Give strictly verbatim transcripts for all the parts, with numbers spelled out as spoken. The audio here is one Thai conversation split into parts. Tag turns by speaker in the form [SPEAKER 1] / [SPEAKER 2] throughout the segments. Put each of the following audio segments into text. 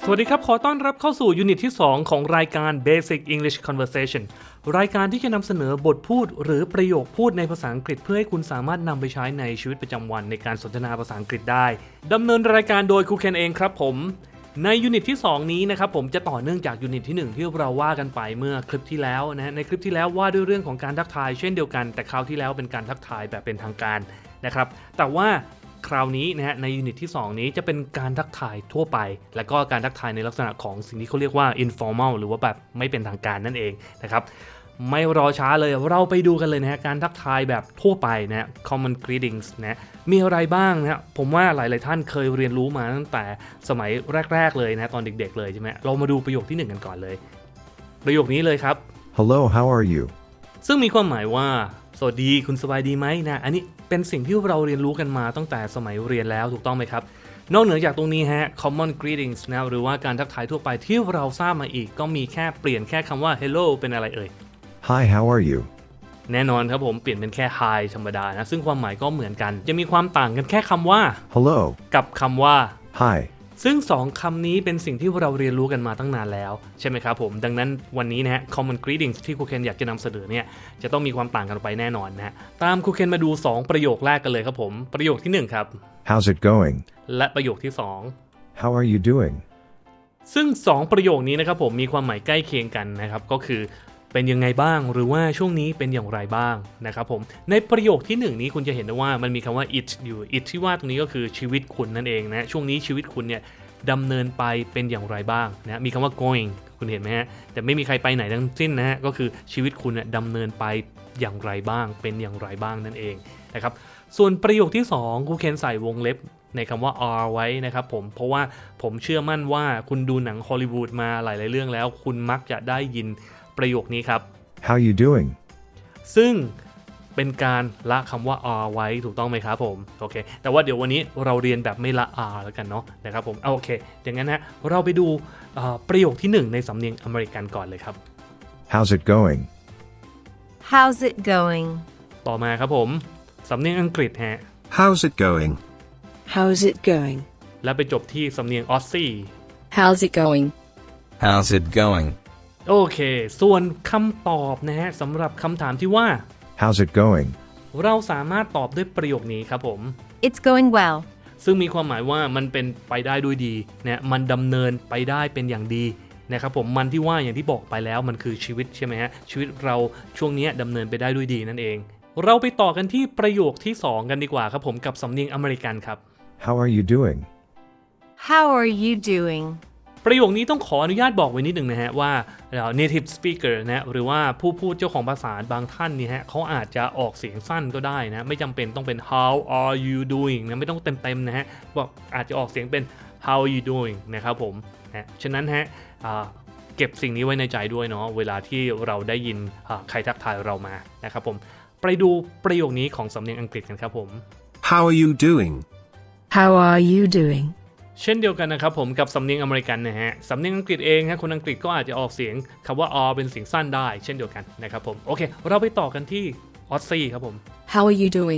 [SPEAKER 1] สวัสดีครับขอต้อนรับเข้าสู่ยูนิตที่สองของรายการ Basic English Conversation รายการที่จะนำเสนอบทพูดหรือประโยคพูดในภาษาอังกฤษเพื่อให้คุณสามารถนำไปใช้ในชีวิตประจำวันในการสนทนาภาษาอังกฤษได้ดำเนินรายการโดยครูเคนเองครับผมในยูนิตที่สองนี้นะครับผมจะต่อเนื่องจากยูนิตที่หนึ่งที่เราว่ากันไปเมื่อคลิปที่แล้วนะในคลิปที่แล้วว่าด้วยเรื่องของการทักทายเช่นเดียวกันแต่คราวที่แล้วเป็นการทักทายแบบเป็นทางการนะครับแต่ว่าคราวนี้นะฮะในยูนิตที่สองนี้จะเป็นการทักทายทั่วไปและก็การทักทายในลักษณะของสิ่งที่เขาเรียกว่า informal หรือว่าแบบไม่เป็นทางการนั่นเองนะครับไม่รอช้าเลยเราไปดูกันเลยนะฮะการทักทายแบบทั่วไปนะฮะ common greetings นะมีอะไรบ้างนะฮะผมว่าหลายๆท่านเคยเรียนรู้มาตั้งแต่สมัยแรกๆเลยนะตอนเด็กๆเลยใช่ไหมเรามาดูประโยคที่หนึ่งกันก่อนเลยประโยคนี้เลยครับ
[SPEAKER 2] Hello, how are you?
[SPEAKER 1] ซึ่งมีความหมายว่าสวัสดีคุณสบายดีไหมนะอันนี้เป็นสิ่งที่เราเรียนรู้กันมาตั้งแต่สมัยเรียนแล้วถูกต้องไหมครับนอกเหนือจากตรงนี้ฮะ common greetings นะหรือว่าการทักทายทั่วไปที่เราทราบมาอีกก็มีแค่เปลี่ยนแค่คำว่า hello เป็นอะไรเอ่ย
[SPEAKER 2] Hi, how are you?
[SPEAKER 1] แน่นอนครับผมเปลี่ยนเป็นแค่ hi ธรรมดานะซึ่งความหมายก็เหมือนกันจะมีความต่างกันแค่คำว่า
[SPEAKER 2] Hello.
[SPEAKER 1] กับคำว่า
[SPEAKER 2] Hi.
[SPEAKER 1] ซึ่งสองคำนี้เป็นสิ่งที่เราเรียนรู้กันมาตั้งนานแล้วใช่ไหมครับผมดังนั้นวันนี้นะฮะ common greetings ที่ครูเคนอยากจะนำเสนอเนี่ยจะต้องมีความต่างกันไปแน่นอนนะตามครูเคนมาดูสองประโยคแรกกันเลยครับผมประโยคที่หนึ่งครับ
[SPEAKER 2] How's it going?
[SPEAKER 1] และประโยคที่สอง
[SPEAKER 2] How are you doing?
[SPEAKER 1] ซึ่งสองประโยคนี้นะครับผมมีความหมายใกล้เคียงกันนะครับก็คือเป็นยังไงบ้างหรือว่าช่วงนี้เป็นอย่างไรบ้างนะครับผมในประโยคที่หนึ่งนี้คุณจะเห็นได้ว่ามันมีคำว่า it อยู่ it ที่ว่าตรงนี้ก็คือชีวิตคุณนั่นเองนะช่วงนี้ชีวิตคุณเนี่ยดำเนินไปเป็นอย่างไรบ้างนะมีคำว่า going คุณเห็นไหมฮะแต่ไม่มีใครไปไหนทั้งสิ้นนะฮะก็คือชีวิตคุณเนี่ยดำเนินไปอย่างไรบ้างเป็นอย่างไรบ้างนั่นเองนะครับส่วนประโยคที่สองครูเคนใส่วงเล็บในคำว่า are ไว้นะครับผมเพราะว่าผมเชื่อมั่นว่าคุณดูหนังฮอลลีวูดมาหลายๆเรื่องแล้วคุณมักจะได้ยินประโยคนี้ครับ
[SPEAKER 2] How you doing?
[SPEAKER 1] ซึ่งเป็นการละคำว่า are ไว้ถูกต้องไหมครับผมโอเคแต่ว่าเดี๋ยววันนี้เราเรียนแบบไม่ละ are แล้วกันเนาะนะครับผมเอาโอเคอย่างนั้นฮะเราไปดูประโยคที่หนึ่งในสำเนียงอเมริกันก่อนเลยครับ
[SPEAKER 2] How's it going?
[SPEAKER 3] How's it going?
[SPEAKER 1] ต่อมาครับผมสำเนียงอังกฤษฮะ
[SPEAKER 4] How's it going?
[SPEAKER 3] How's it going?
[SPEAKER 1] และไปจบที่สำเนียงออสซี่
[SPEAKER 3] How's it going?
[SPEAKER 4] How's it going?
[SPEAKER 1] โอเคส่วนคำตอบนะฮะสำหรับคำถามที่ว่า
[SPEAKER 2] How's it going?
[SPEAKER 1] เราสามารถตอบด้วยประโยคนี้ครับผม
[SPEAKER 3] It's going well.
[SPEAKER 1] ซึ่งมีความหมายว่ามันเป็นไปได้ด้วยดีนะมันดำเนินไปได้เป็นอย่างดีนะครับผมมันที่ว่าอย่างที่บอกไปแล้วมันคือชีวิตใช่ไหมฮะชีวิตเราช่วงนี้ดำเนินไปได้ด้วยดีนั่นเองเราไปต่อกันที่ประโยคที่สองกันดีกว่าครับผมกับสำเนียงอเมริกันครับ
[SPEAKER 2] How are you doing?
[SPEAKER 3] How are you doing?
[SPEAKER 1] ประโยคนี้ต้องขออนุญาตบอกไว้นิดหนึ่งนะฮะว่า native speaker นะหรือว่าผู้พูดเจ้าของภาษาบางท่านนี่ฮะเขาอาจจะออกเสียงสั้นก็ได้นะไม่จำเป็นต้องเป็น how are you doing นะไม่ต้องเต็มๆนะฮะบอกอาจจะออกเสียงเป็น how are you doing นะครับผมนะฉะนั้นฮะเก็บสิ่งนี้ไว้ในใจด้วยเนาะเวลาที่เราได้ยินใครทักทายเรามานะครับผมไปดูประโยคนี้ของสำเนียงอังกฤษกันครับผม
[SPEAKER 4] How are you doing?
[SPEAKER 3] How are you doing?
[SPEAKER 1] เช่นเดียวกันนะครับผมกับสำเนียงอเมริกันนะฮะสำเนียงอังกฤษเองฮะคนอังกฤษก็อาจจะออกเสียงคำว่า r เป็นเสียงสั้นได้เช่นเดียวกันนะครับผมโอเคเราไปต่อกันที่ออสซี่ครับผม
[SPEAKER 3] How are you doing?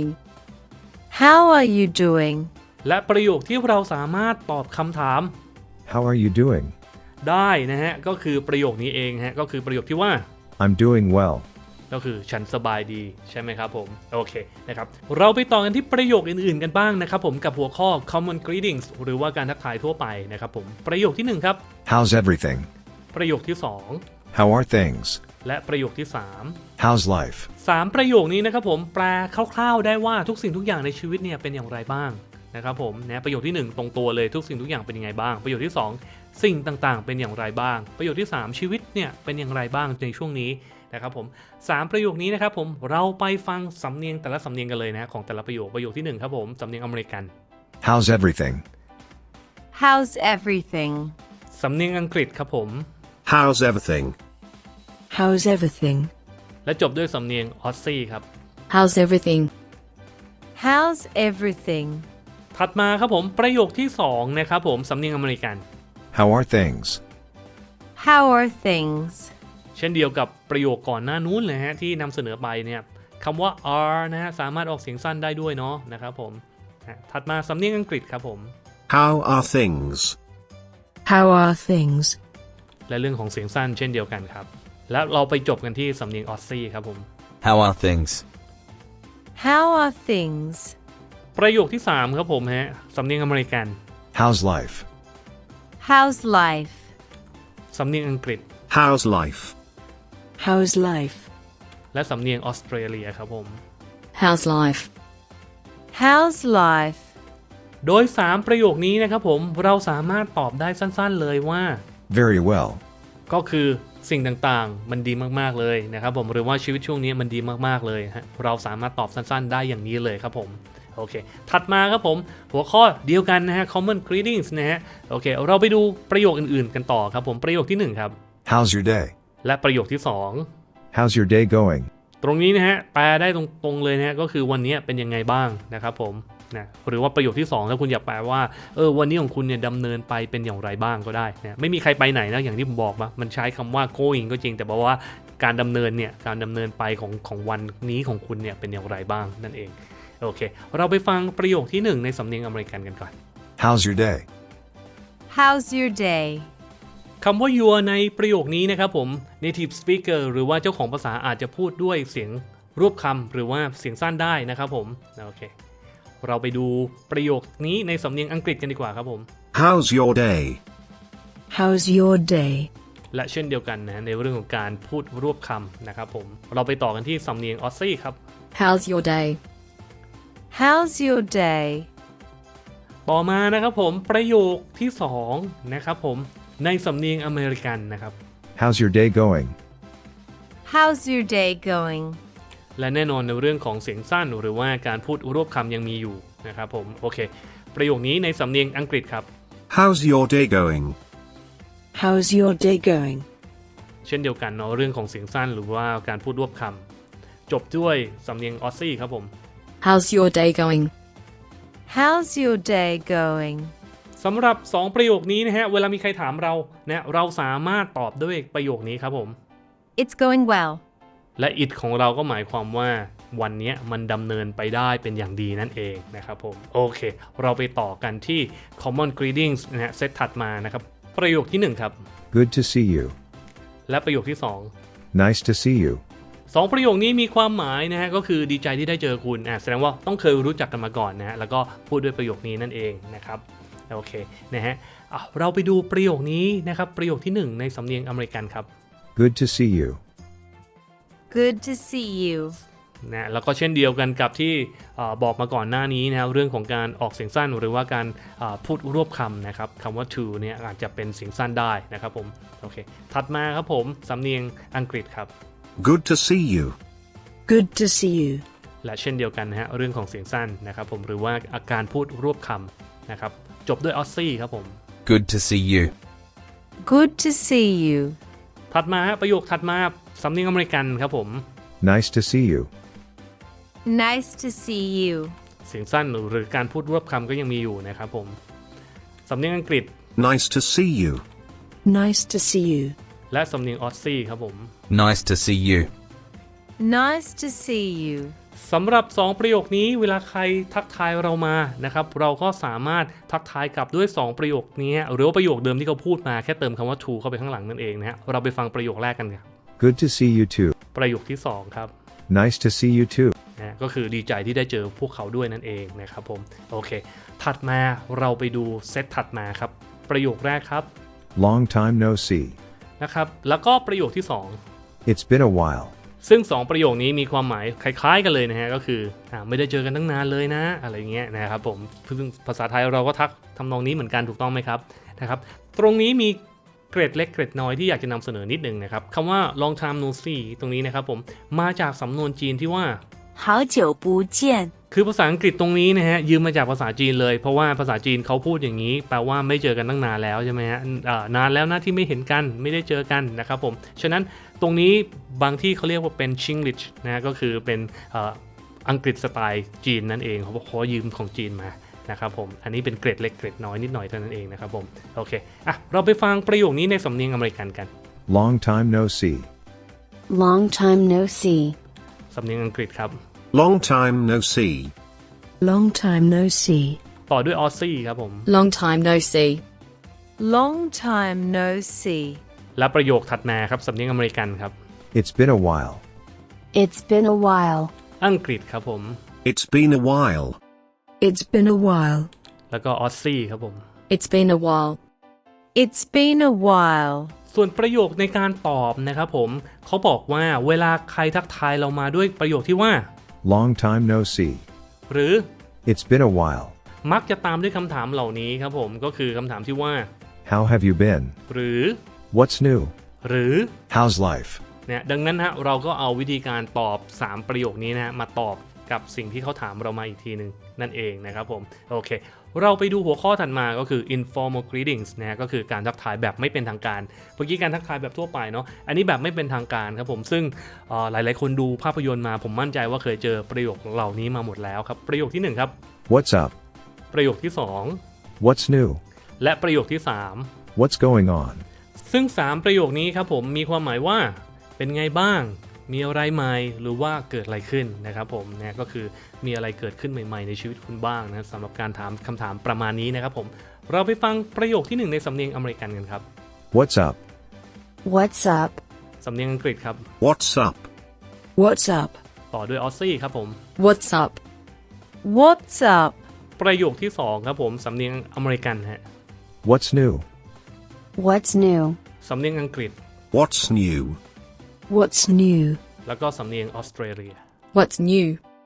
[SPEAKER 3] How are you doing?
[SPEAKER 1] และประโยคที่เราสามารถตอบคำถาม
[SPEAKER 2] How are you doing?
[SPEAKER 1] ได้นะฮะก็คือประโยคนี้เองฮะก็คือประโยคที่ว่า
[SPEAKER 2] I'm doing well.
[SPEAKER 1] ก็คือฉันสบายดีใช่ไหมครับผมโอเคนะครับเราไปต่อกันที่ประโยคอื่นๆกันบ้างนะครับผมกับหัวข้อ common greetings หรือว่าการทักทายทั่วไปนะครับผมประโยคที่หนึ่งครับ
[SPEAKER 2] How's everything?
[SPEAKER 1] ประโยคที่สอง
[SPEAKER 2] How are things?
[SPEAKER 1] และประโยคที่สาม
[SPEAKER 2] How's life?
[SPEAKER 1] สามประโยคนี้นะครับผมแปลคร่าวๆได้ว่าทุกสิ่งทุกอย่างในชีวิตเนี่ยเป็นอย่างไรบ้างนะครับผมนะประโยคที่หนึ่งตรงตัวเลยทุกสิ่งทุกอย่างเป็นยังไงบ้างประโยคที่สองสิ่งต่างๆเป็นอย่างไรบ้างประโยคที่สามชีวิตเนี่ยเป็นอย่างไรบ้างในช่วงนี้นะครับผมสามประโยคนี้นะครับผมเราไปฟังสำเนียงแต่ละสำเนียงกันเลยนะของแต่ละประโยคประโยคที่หนึ่งครับผมสำเนียงอเมริกัน
[SPEAKER 2] How's everything?
[SPEAKER 3] How's everything?
[SPEAKER 1] สำเนียงอังกฤษครับผม
[SPEAKER 4] How's everything?
[SPEAKER 3] How's everything?
[SPEAKER 1] และจบด้วยสำเนียงออสซี่ครับ
[SPEAKER 3] How's everything? How's everything?
[SPEAKER 1] ถัดมาครับผมประโยคที่สองนะครับผมสำเนียงอเมริกัน
[SPEAKER 2] How are things?
[SPEAKER 3] How are things?
[SPEAKER 1] เช่นเดียวกับประโยคก่อนหน้านู้นเลยฮะที่นำเสนอไปเนี่ยคำว่า are นะฮะสามารถออกเสียงสั้นได้ด้วยเนาะนะครับผมถัดมาสำเนียงอังกฤษครับผม
[SPEAKER 4] How are things?
[SPEAKER 3] How are things?
[SPEAKER 1] และเรื่องของเสียงสั้นเช่นเดียวกันครับแล้วเราไปจบกันที่สำเนียงออสซี่ครับผม
[SPEAKER 4] How are things?
[SPEAKER 3] How are things?
[SPEAKER 1] ประโยคที่สามครับผมฮะสำเนียงอเมริกัน
[SPEAKER 2] How's life?
[SPEAKER 3] How's life?
[SPEAKER 1] สำเนียงอังกฤษ
[SPEAKER 4] How's life?
[SPEAKER 3] How's life?
[SPEAKER 1] และสำเนียงออสเตรเลียครับผม
[SPEAKER 3] How's life? How's life?
[SPEAKER 1] โดยสามประโยคนี้นะครับผมเราสามารถตอบได้สั้นๆเลยว่า
[SPEAKER 2] Very well.
[SPEAKER 1] ก็คือสิ่งต่างๆมันดีมากๆเลยนะครับผมหรือว่าชีวิตช่วงนี้มันดีมากๆเลยฮะเราสามารถตอบสั้นๆได้อย่างนี้เลยครับผมโอเคถัดมาครับผมหัวข้อเดียวกันนะฮะ common greetings นะฮะโอเคเราไปดูประโยคอื่นๆกันต่อครับผมประโยคที่หนึ่งครับ
[SPEAKER 2] How's your day?
[SPEAKER 1] และประโยคที่สอง
[SPEAKER 2] How's your day going?
[SPEAKER 1] ตรงนี้นะฮะแปลได้ตรงๆเลยนะฮะก็คือวันนี้เป็นยังไงบ้างนะครับผมนะหรือว่าประโยคที่สองถ้าคุณอยากแปลว่าเออวันนี้ของคุณเนี่ยดำเนินไปเป็นอย่างไรบ้างก็ได้นะไม่มีใครไปไหนนะอย่างที่ผมบอกว่ามันใช้คำว่า going ก็จริงแต่บอกว่าการดำเนินเนี่ยการดำเนินไปของของวันนี้ของคุณเนี่ยเป็นอย่างไรบ้างนั่นเองโอเคเราไปฟังประโยคที่หนึ่งในสำเนียงอเมริกันกันก่อน
[SPEAKER 2] How's your day?
[SPEAKER 3] How's your day?
[SPEAKER 1] คำว่า your ในประโยคนี้นะครับผม native speaker หรือว่าเจ้าของภาษาอาจจะพูดด้วยเสียงรวบคำหรือว่าเสียงสั้นได้นะครับผมโอเคเราไปดูประโยคนี้ในสำเนียงอังกฤษกันดีกว่าครับผม
[SPEAKER 4] How's your day?
[SPEAKER 3] How's your day?
[SPEAKER 1] และเช่นเดียวกันนะในเรื่องของการพูดรวบคำนะครับผมเราไปต่อกันที่สำเนียงออสซี่ครับ
[SPEAKER 3] How's your day? How's your day?
[SPEAKER 1] ต่อมานะครับผมประโยคที่สองนะครับผมในสำเนียงอเมริกันนะครับ
[SPEAKER 2] How's your day going?
[SPEAKER 3] How's your day going?
[SPEAKER 1] และแน่นอนในเรื่องของเสียงสั้นหรือว่าการพูดรวบคำยังมีอยู่นะครับผมโอเคประโยคนี้ในสำเนียงอังกฤษครับ
[SPEAKER 4] How's your day going?
[SPEAKER 3] How's your day going?
[SPEAKER 1] เช่นเดียวกันเนาะเรื่องของเสียงสั้นหรือว่าการพูดรวบคำจบด้วยสำเนียงออสซี่ครับผม
[SPEAKER 3] How's your day going? How's your day going?
[SPEAKER 1] สำหรับสองประโยคนี้นะฮะเวลามีใครถามเรานะเราสามารถตอบด้วยประโยคนี้ครับผม
[SPEAKER 3] It's going well.
[SPEAKER 1] และ it ของเราก็หมายความว่าวันนี้มันดำเนินไปได้เป็นอย่างดีนั่นเองนะครับผมโอเคเราไปต่อกันที่ common greetings นะฮะเซตถัดมานะครับประโยคที่หนึ่งครับ
[SPEAKER 2] Good to see you.
[SPEAKER 1] และประโยคที่สอง
[SPEAKER 2] Nice to see you.
[SPEAKER 1] สองประโยคนี้มีความหมายนะฮะก็คือดีใจที่ได้เจอคุณอ่ะแสดงว่าต้องเคยรู้จักกันมาก่อนนะฮะแล้วก็พูดด้วยประโยคนี้นั่นเองนะครับโอเคนะฮะอ่ะเราไปดูประโยคนี้นะครับประโยคที่หนึ่งในสำเนียงอเมริกันครับ
[SPEAKER 2] Good to see you.
[SPEAKER 3] Good to see you.
[SPEAKER 1] นะแล้วก็เช่นเดียวกันกับที่บอกมาก่อนหน้านี้นะครับเรื่องของการออกเสียงสั้นหรือว่าการพูดรวบคำนะครับคำว่า to เนี่ยอาจจะเป็นเสียงสั้นได้นะครับผมโอเคถัดมาครับผมสำเนียงอังกฤษครับ
[SPEAKER 4] Good to see you.
[SPEAKER 3] Good to see you.
[SPEAKER 1] และเช่นเดียวกันนะฮะเรื่องของเสียงสั้นนะครับผมหรือว่าอาการพูดรวบคำนะครับจบด้วยออสซี่ครับผม
[SPEAKER 4] Good to see you.
[SPEAKER 3] Good to see you.
[SPEAKER 1] ถัดมาประโยคถัดมาสำเนียงอเมริกันครับผม
[SPEAKER 2] Nice to see you.
[SPEAKER 3] Nice to see you.
[SPEAKER 1] เสียงสั้นหรือการพูดรวบคำก็ยังมีอยู่นะครับผมสำเนียงอังกฤษ
[SPEAKER 4] Nice to see you.
[SPEAKER 3] Nice to see you.
[SPEAKER 1] และสำเนียงออสซี่ครับผม
[SPEAKER 4] Nice to see you.
[SPEAKER 3] Nice to see you.
[SPEAKER 1] สำหรับสองประโยคนี้เวลาใครทักทายเรามานะครับเราก็สามารถทักทายกลับด้วยสองประโยคนี้หรือว่าประโยคเดิมที่เขาพูดมาแค่เติมคำว่า to เข้าไปข้างหลังนั่นเองนะฮะเราไปฟังประโยคแรกกันครับ
[SPEAKER 2] Good to see you too.
[SPEAKER 1] ประโยคที่สองครับ
[SPEAKER 2] Nice to see you too.
[SPEAKER 1] นะก็คือดีใจที่ได้เจอพวกเขาด้วยนั่นเองนะครับผมโอเคถัดมาเราไปดูเซตถัดมาครับประโยคแรกครับ
[SPEAKER 2] Long time no see.
[SPEAKER 1] นะครับแล้วก็ประโยคที่สอง
[SPEAKER 2] It's been a while.
[SPEAKER 1] ซึ่งสองประโยคนี้มีความหมายคล้ายๆกันเลยนะฮะก็คืออ่าไม่ได้เจอกันตั้งนานเลยนะอะไรเงี้ยนะครับผมซึ่งภาษาไทยเราก็ทักทำนองนี้เหมือนกันถูกต้องไหมครับนะครับตรงนี้มีเกร็ดเล็กเกร็ดน้อยที่อยากจะนำเสนอนิดนึงนะครับคำว่า long time no see ตรงนี้นะครับผมมาจากสำนวนจีนที่ว่า
[SPEAKER 3] 好久不见
[SPEAKER 1] คือภาษาอังกฤษตรงนี้นะฮะยืมมาจากภาษาจีนเลยเพราะว่าภาษาจีนเขาพูดอย่างนี้แปลว่าไม่เจอกันตั้งนานแล้วใช่ไหมฮะนานแล้วนะที่ไม่เห็นกันไม่ได้เจอกันนะครับผมฉะนั้นตรงนี้บางที่เขาเรียกว่าเป็น Chinglish นะฮะก็คือเป็นอังกฤษสไตล์จีนนั่นเองเขาบอกขอยืมของจีนมานะครับผมอันนี้เป็นเกร็ดเล็กเกร็ดน้อยนิดหน่อยเท่านั้นเองนะครับผมโอเคอ่ะเราไปฟังประโยคนี้ในสำเนียงอเมริกันกัน
[SPEAKER 2] Long time no see.
[SPEAKER 3] Long time no see.
[SPEAKER 1] สำเนียงอังกฤษครับ
[SPEAKER 4] Long time no see.
[SPEAKER 3] Long time no see.
[SPEAKER 1] ต่อด้วยออสซี่ครับผม
[SPEAKER 3] Long time no see. Long time no see.
[SPEAKER 1] และประโยคถัดมาครับสำเนียงอเมริกันครับ
[SPEAKER 2] It's been a while.
[SPEAKER 5] It's been a while.
[SPEAKER 1] อังกฤษครับผม
[SPEAKER 4] It's been a while.
[SPEAKER 5] It's been a while.
[SPEAKER 1] แล้วก็ออสซี่ครับผม
[SPEAKER 3] It's been a while. It's been a while.
[SPEAKER 1] ส่วนประโยคในการตอบนะครับผมเขาบอกว่าเวลาใครทักทายเรามาด้วยประโยคที่ว่า
[SPEAKER 2] Long time no see.
[SPEAKER 1] หรือ
[SPEAKER 2] It's been a while.
[SPEAKER 1] มักจะตามด้วยคำถามเหล่านี้ครับผมก็คือคำถามที่ว่า
[SPEAKER 2] How have you been?
[SPEAKER 1] หรือ
[SPEAKER 2] What's new?
[SPEAKER 1] หรือ
[SPEAKER 2] How's life?
[SPEAKER 1] เนี่ยดังนั้นฮะเราก็เอาวิธีการตอบสามประโยคนี้นะฮะมาตอบกับสิ่งที่เขาถามเรามาอีกทีหนึ่งนั่นเองนะครับผมโอเคเราไปดูหัวข้อถัดมาก็คือ informal greetings นะฮะก็คือการทักทายแบบไม่เป็นทางการเมื่อกี้การทักทายแบบทั่วไปเนาะอันนี้แบบไม่เป็นทางการครับผมซึ่งหลายๆคนดูภาพยนตร์มาผมมั่นใจว่าเคยเจอประโยคเหล่านี้มาหมดแล้วครับประโยคที่หนึ่งครับ
[SPEAKER 2] What's up?
[SPEAKER 1] ประโยคที่สอง
[SPEAKER 2] What's new?
[SPEAKER 1] และประโยคที่สาม
[SPEAKER 2] What's going on?
[SPEAKER 1] ซึ่งสามประโยคนี้ครับผมมีความหมายว่าเป็นไงบ้างมีอะไรใหม่หรือว่าเกิดอะไรขึ้นนะครับผมเนี่ยก็คือมีอะไรเกิดขึ้นใหม่ๆในชีวิตคุณบ้างนะสำหรับการถามคำถามประมาณนี้นะครับผมเราไปฟังประโยคที่หนึ่งในสำเนียงอเมริกันกันครับ
[SPEAKER 2] What's up?
[SPEAKER 5] What's up?
[SPEAKER 1] สำเนียงอังกฤษครับ
[SPEAKER 4] What's up?
[SPEAKER 5] What's up?
[SPEAKER 1] ต่อด้วยออสซี่ครับผม
[SPEAKER 3] What's up? What's up?
[SPEAKER 1] ประโยคที่สองครับผมสำเนียงอเมริกันฮะ
[SPEAKER 2] What's new?
[SPEAKER 5] What's new?
[SPEAKER 1] สำเนียงอังกฤษ
[SPEAKER 4] What's new?
[SPEAKER 5] What's new?
[SPEAKER 1] แล้วก็สำเนียงออสเตรเลีย
[SPEAKER 3] What's new?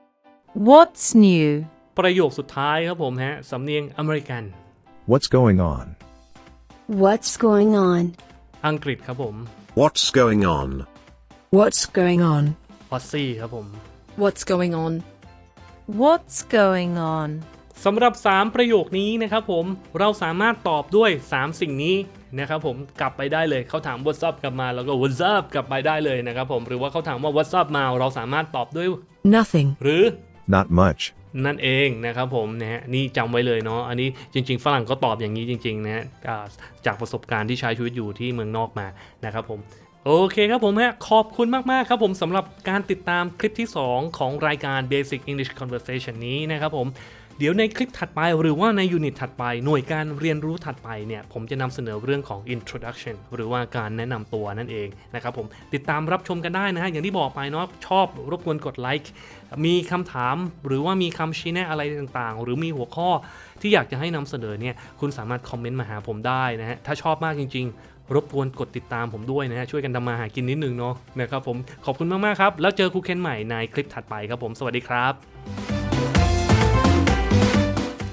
[SPEAKER 3] What's new?
[SPEAKER 1] ประโยคสุดท้ายครับผมฮะสำเนียงอเมริกัน
[SPEAKER 2] What's going on?
[SPEAKER 5] What's going on?
[SPEAKER 1] อังกฤษครับผม
[SPEAKER 4] What's going on?
[SPEAKER 5] What's going on?
[SPEAKER 1] ออสซี่ครับผม
[SPEAKER 3] What's going on? What's going on?
[SPEAKER 1] สำหรับสามประโยคนี้นะครับผมเราสามารถตอบด้วยสามสิ่งนี้นะครับผมกลับไปได้เลยเขาถาม What's up กลับมาแล้วก็ What's up กลับไปได้เลยนะครับผมหรือว่าเขาถามว่า What's up มาเราสามารถตอบด้วย
[SPEAKER 5] Nothing.
[SPEAKER 1] หรือ
[SPEAKER 2] Not much.
[SPEAKER 1] นั่นเองนะครับผมนะฮะนี่จำไว้เลยเนาะอันนี้จริงๆฝรั่งก็ตอบอย่างนี้จริงๆนะฮะจากประสบการณ์ที่ใช้ชีวิตอยู่ที่เมืองนอกมานะครับผมโอเคครับผมฮะขอบคุณมากๆครับผมสำหรับการติดตามคลิปที่สองของรายการ Basic English Conversation นี้นะครับผมเดี๋ยวในคลิปถัดไปหรือว่าในยูนิตถัดไปหน่วยการเรียนรู้ถัดไปเนี่ยผมจะนำเสนอเรื่องของ introduction หรือว่าการแนะนำตัวนั่นเองนะครับผมติดตามรับชมกันได้นะฮะอย่างที่บอกไปเนาะชอบรบกวนกดไลค์มีคำถามหรือว่ามีคำชี้แนะอะไรต่างๆหรือมีหัวข้อที่อยากจะให้นำเสนอเนี่ยคุณสามารถคอมเมนต์มาหาผมได้นะฮะถ้าชอบมากจริงๆรบกวนกดติดตามผมด้วยนะฮะช่วยกันทำมาหากินนิดนึงเนาะนะครับผมขอบคุณมากๆครับแล้วเจอครูเคนใหม่ในคลิปถัดไปครับผมสวัสดีครับ